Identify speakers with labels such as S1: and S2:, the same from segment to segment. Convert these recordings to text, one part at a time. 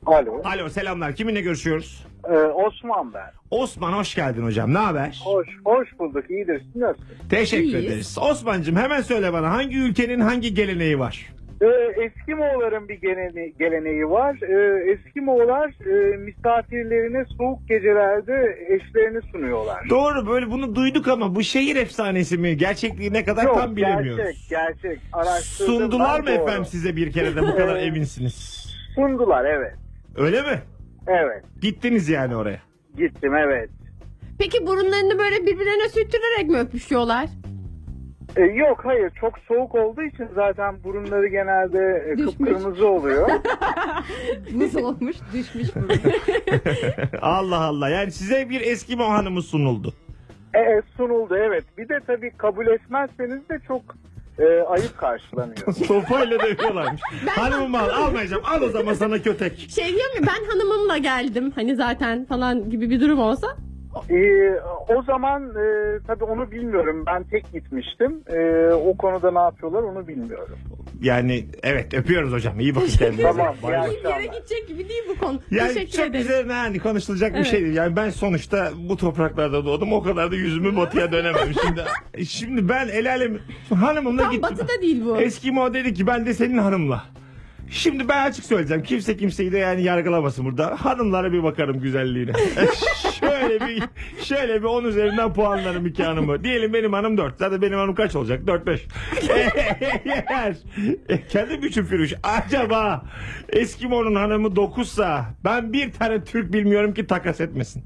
S1: Alo.
S2: Alo, selamlar. Kiminle görüşüyoruz?
S1: Osman ben.
S2: Osman, hoş geldin hocam. Ne haber?
S1: Hoş bulduk. İyidir. Siz nasılsınız?
S2: Teşekkür
S3: İyiyiz.
S2: ederiz. Osman'cığım hemen söyle bana, hangi ülkenin hangi geleneği var?
S1: Eskimoğulların bir geleneği var. Eskimoğullar misafirlerine soğuk gecelerde eşlerini sunuyorlar.
S2: Doğru, böyle bunu duyduk ama bu şehir efsanesi mi? Gerçekliği ne kadar
S1: Yok,
S2: tam bilemiyoruz.
S1: gerçek. Araştırdım.
S2: Sundular mı
S1: ben, doğru.
S2: efendim size bir kere de bu kadar eminsiniz?
S1: Sundular, evet.
S2: Öyle mi?
S1: Evet.
S2: Gittiniz yani oraya.
S1: Gittim, evet.
S3: Peki burunlarını böyle birbirlerine sürtürerek mi öpüşüyorlar?
S1: Yok, hayır. Çok soğuk olduğu için zaten burunları genelde
S3: Düşmüş.
S1: kıpkırmızı oluyor.
S3: Nasıl olmuş? Düşmüş burun.
S2: Allah Allah, yani size bir Eskimo hanımı sunuldu.
S1: Sunuldu, evet. Bir de tabii kabul etmezseniz de çok ayıp karşılanıyor.
S2: Sopayla dövüyorlarmış. Hanımımı almayacağım. Al o zaman sana kötek.
S3: Şey diyor mu, ben hanımımla geldim hani zaten falan gibi bir durum olsa?
S1: O zaman tabii onu bilmiyorum. Ben tek gitmiştim. O konuda ne yapıyorlar onu bilmiyorum.
S2: Yani evet, öpüyoruz hocam. İyi bakın kendinize.
S1: Tamam,
S2: Bay
S1: iyi
S2: bay.
S3: Bir yere gidecek gibi değil bu konu.
S2: Yani
S3: Teşekkür
S2: çok
S3: ederim.
S2: üzerine hani konuşulacak bir
S3: Evet.
S2: şey değil. Yani ben sonuçta bu topraklarda doğdum. O kadar da yüzümü batıya dönemem. Şimdi ben el alem hanımımla
S3: Tam
S2: gittim.
S3: batıda değil bu.
S2: Eskimo dedi ki ben de senin hanımla. Şimdi ben açık söyleyeceğim. Kimse kimseyi de yani yargılamasın burada. Hanımlara bir bakarım güzelliğine. şöyle bir 10 üzerinden puanlarım iki hanımı. Diyelim benim hanım 4. Zaten benim hanım kaç olacak? 4-5. Eğer kendim için Firuş. Acaba Eskimo'nun hanımı 9'sa ben bir tane Türk bilmiyorum ki takas etmesin.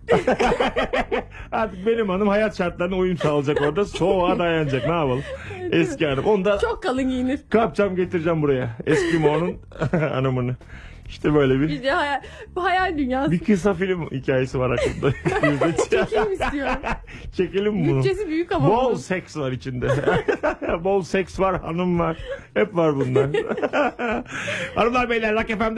S2: Artık benim hanım hayat şartlarına uyum sağlayacak orada. Soğuğa dayanacak. Ne yapalım? Eski hanım. Onu da
S3: Çok kalın giyinir.
S2: kapacağım, getireceğim buraya. Eskimo'nun hanımını. İşte böyle bir
S3: İşte bu hayal dünyası.
S2: bir kısa film hikayesi var aklımda.
S3: Çekim istiyorum.
S2: Çekelim mi bunu?
S3: Bütçesi büyük ama.
S2: Bol
S3: bunun.
S2: seks var içinde. Bol seks var, hanım var. Hep var bunlar. Hanımlar beyler, Rock FM'de